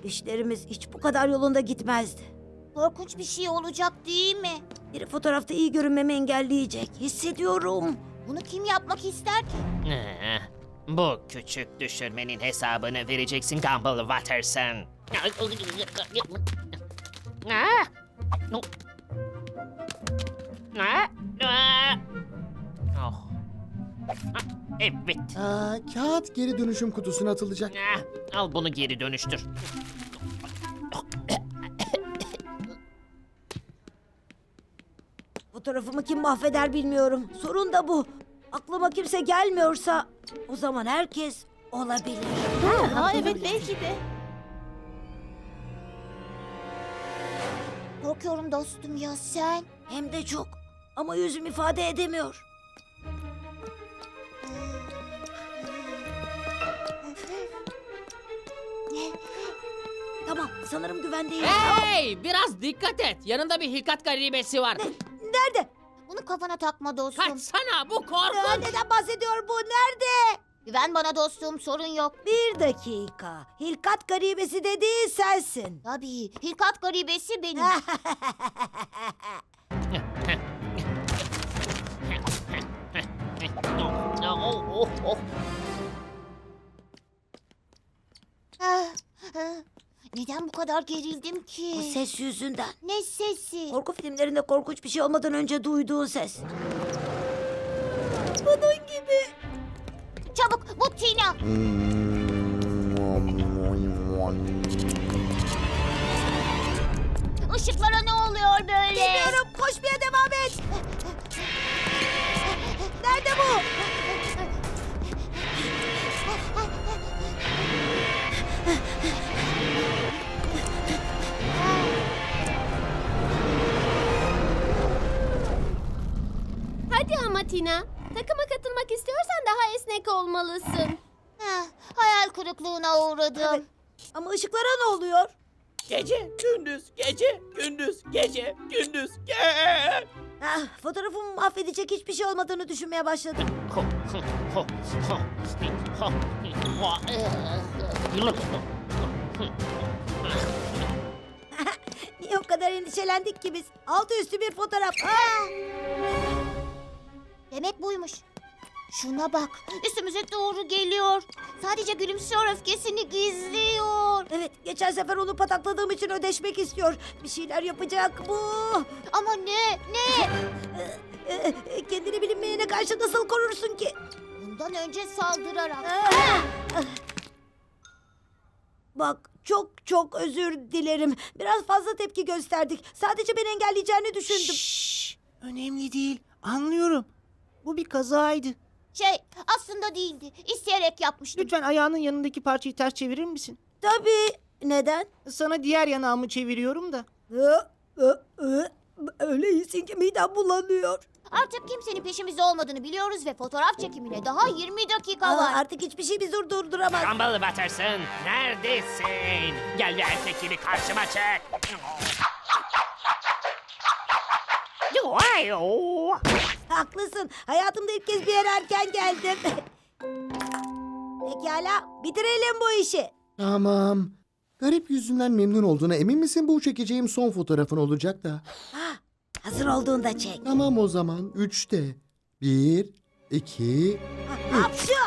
İşlerimiz hiç bu kadar yolunda gitmezdi. Korkunç bir şey olacak değil mi? Biri fotoğrafta iyi görünmemi engelleyecek. Hissediyorum. Bunu kim yapmak ister ki? Bu küçük düşürmenin hesabını vereceksin Gumball Watterson. Oh. Evet. Kağıt geri dönüşüm kutusuna atılacak. Al bunu geri dönüştür. Fotoğrafımı kim mahveder bilmiyorum. Sorun da bu. Aklıma kimse gelmiyorsa o zaman herkes olabilir. Ha evet belki de. Korkuyorum dostum ya sen. Hem de çok. Ama yüzüm ifade edemiyor. Tamam, sanırım güvendeyim. Hey, biraz dikkat et. Yanında bir hilkat garibesi var. Nerede? Bunu kafana takma dostum. Kaçsana, bu korkunç. Neden bahsediyor bu? Nerede? Güven bana dostum, sorun yok. Bir dakika. Hilkat garibesi dediğin sensin. Tabii, hilkat garibesi benim. Ah, ah. Neden bu kadar gerildim ki? Bu ses yüzünden. Ne sesi? Korku filmlerinde korkunç bir şey olmadan önce duyduğun ses. Bunun gibi. Çabuk, bu Tina. Işıklara ne oluyor böyle? Bilmiyorum, koşmaya devam et. Nerede bu? Hadi ama Tina. Takıma katılmak istiyorsan daha esnek olmalısın. Hayal kırıklığına uğradım. Evet. Ama ışıklara ne oluyor? Gece, gündüz, gece, gündüz, gece, gündüz, gece. Fotoğrafımı mahvedecek hiçbir şey olmadığını düşünmeye başladım. Niye o kadar endişelendik ki biz? Altı üstü bir fotoğraf. Demek buymuş. Şuna bak, üstümüze doğru geliyor. Sadece gülümsüyor, öfkesini gizliyor. Evet, geçen sefer onu patakladığım için ödeşmek istiyor. Bir şeyler yapacak bu. Ama ne? Kendini bilinmeyene karşı nasıl korursun ki? Bundan önce saldırarak. Bak, çok çok özür dilerim. Biraz fazla tepki gösterdik. Sadece beni engelleyeceğini düşündüm. Şşş, önemli değil. Anlıyorum. Bu bir kazaydı. Aslında değildi. İsteyerek yapmıştım. Lütfen ayağının yanındaki parçayı ters çevirir misin? Tabii. Neden? Sana diğer yanağımı çeviriyorum da. Öyle iyisin ki midem bulanıyor. Artık kimsenin peşimizde olmadığını biliyoruz ve fotoğraf çekimine daha 20 dakika var. Artık hiçbir şey bizi durduramaz. Gumball Watterson, neredesin? Gel ve erkek gibi karşıma çık. Haklısın. Hayatımda ilk kez bir yere erken geldim. Pekala, bitirelim bu işi. Tamam. Garip yüzünden memnun olduğuna emin misin? Bu çekeceğim son fotoğrafın olacak da. Hazır olduğunda çek. Tamam o zaman. 3'te. 1, 2... Hapşu!